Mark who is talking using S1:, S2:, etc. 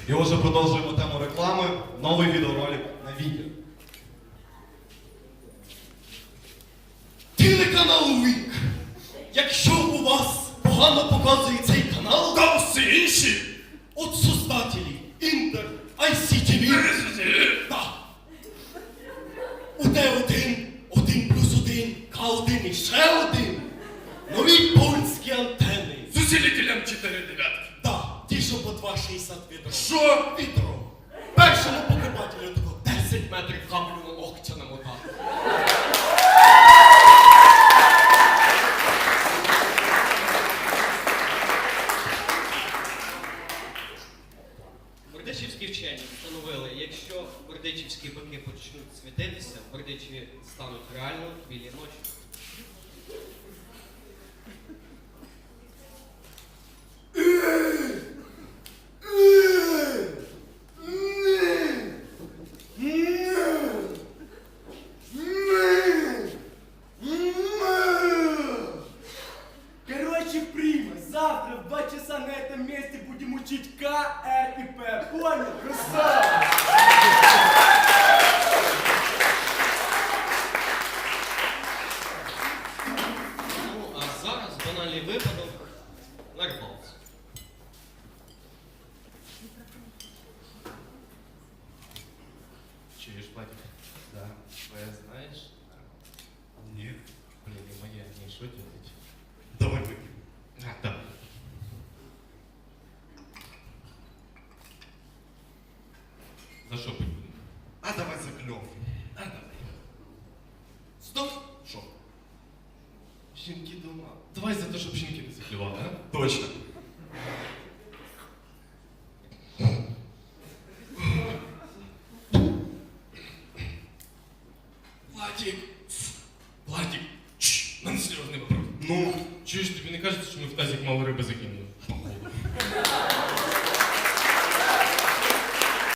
S1: І отже, продовжуємо тему реклами. Новий відеоролик на відео.
S2: Телеканал Вік. Якщо у вас погано показує цей канал,
S3: Там всі інші.
S2: от создателі Інтер, ICTV, да. УТ1, 1+1, К1 і ще один. Нові польські антени.
S3: З усилителем 4 дев'ятки.
S2: Да, ті, що по 2,60 відро.
S3: Що?
S2: Відро. Першому покупателю тако 10 метрів каблю на локтя намотати.
S4: Бердичівські вчені встановили, якщо бердичівські бики почнуть світитися, бердичеві стануть реально білі ночі.
S5: Короче, Прима, завтра в 2 часа на этом месте будем учить К, Р и П. Понял? Красава!
S4: Ну, а зараз банальний випадок на рибалці.
S1: Чуєш, батько?
S4: Да. Твоя знаєш?
S1: Ні.
S4: Блін, і моя, ні, що делать?
S1: Давай вип'ємо.
S4: Так.
S1: За що пить будемо? А давай за кльов.
S4: А, давай.
S1: Стоп! Що?
S4: Жінки дома.
S1: Давай за те, щоб жінки не заклювали, а? Точно.
S3: Владик. Владик. Чш, мене серйозний вопрос.
S1: Ну,
S3: Чуєш, тобі не кажеться, що ми в тазик мало риби закинули?